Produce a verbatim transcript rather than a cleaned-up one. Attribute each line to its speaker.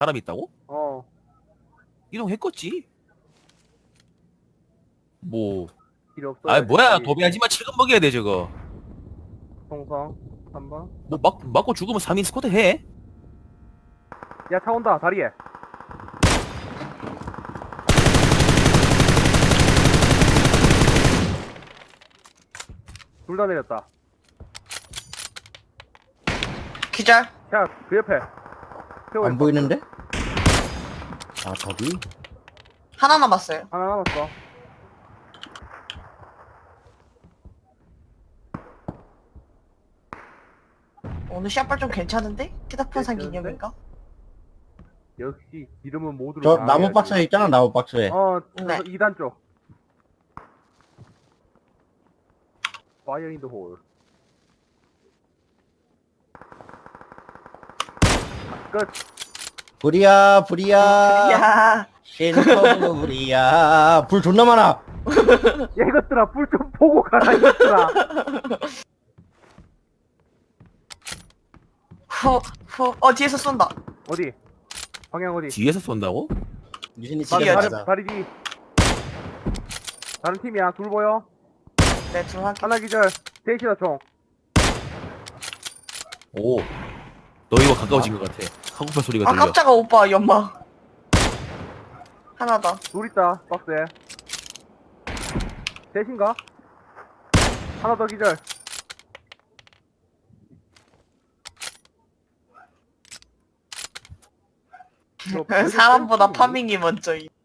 Speaker 1: 사람 있다고?
Speaker 2: 어.
Speaker 1: 이동했겠지. 뭐.
Speaker 2: 필요 없어.
Speaker 1: 아 뭐야 도배하지마. 지금 먹여야 돼 저거.
Speaker 2: 송성 삼 번.
Speaker 1: 뭐 막, 맞고 죽으면 삼 인 스쿼트 해.
Speaker 2: 야, 차 온다. 다리에. 둘 다 내렸다.
Speaker 3: 기절.
Speaker 2: 자, 그 옆에. 태워
Speaker 4: 안
Speaker 2: 있어.
Speaker 4: 보이는데? 아 저기?
Speaker 3: 하나 남았어요.
Speaker 2: 하나 남았어.
Speaker 3: 오늘 샷발 좀 괜찮은데? 피다폰산
Speaker 2: 괜찮은데?
Speaker 3: 기념인가?
Speaker 2: 역시 이름은 모두를
Speaker 4: 저
Speaker 2: 다
Speaker 4: 나무
Speaker 2: 알아야지.
Speaker 4: 박스에 있잖아, 나무 박스에.
Speaker 2: 어,
Speaker 3: 네.
Speaker 2: 이 단 쪽. Fire in the hole. 끝.
Speaker 4: 불이야, 불이야.
Speaker 3: 야,
Speaker 4: 신터브 불이야. 불 존나 많아.
Speaker 2: 야, 이것들아, 불 좀 보고 가라, 이것들아.
Speaker 3: 후, 후, 어, 뒤에서 쏜다.
Speaker 2: 어디? 방향 어디?
Speaker 1: 뒤에서 쏜다고?
Speaker 4: 유신이
Speaker 2: 다리,
Speaker 4: 집에
Speaker 3: 뒤에
Speaker 2: 다리,
Speaker 4: 가자.
Speaker 2: 다리 뒤. 다른 팀이야. 둘 보여?
Speaker 3: 네, 둘 확인.
Speaker 2: 하나 기절. 셋이다, 총.
Speaker 1: 오. 너 이거 가까워진 것 같아. 카고팔 소리가
Speaker 3: 아,
Speaker 1: 들려.
Speaker 3: 깜짝아, 오빠, 연막. 하나 더.
Speaker 2: 둘 있다, 박스에. 셋인가? 하나 더 기절. 이거
Speaker 3: 사람보다
Speaker 2: 뺄수 있니?
Speaker 3: 파밍이 먼저.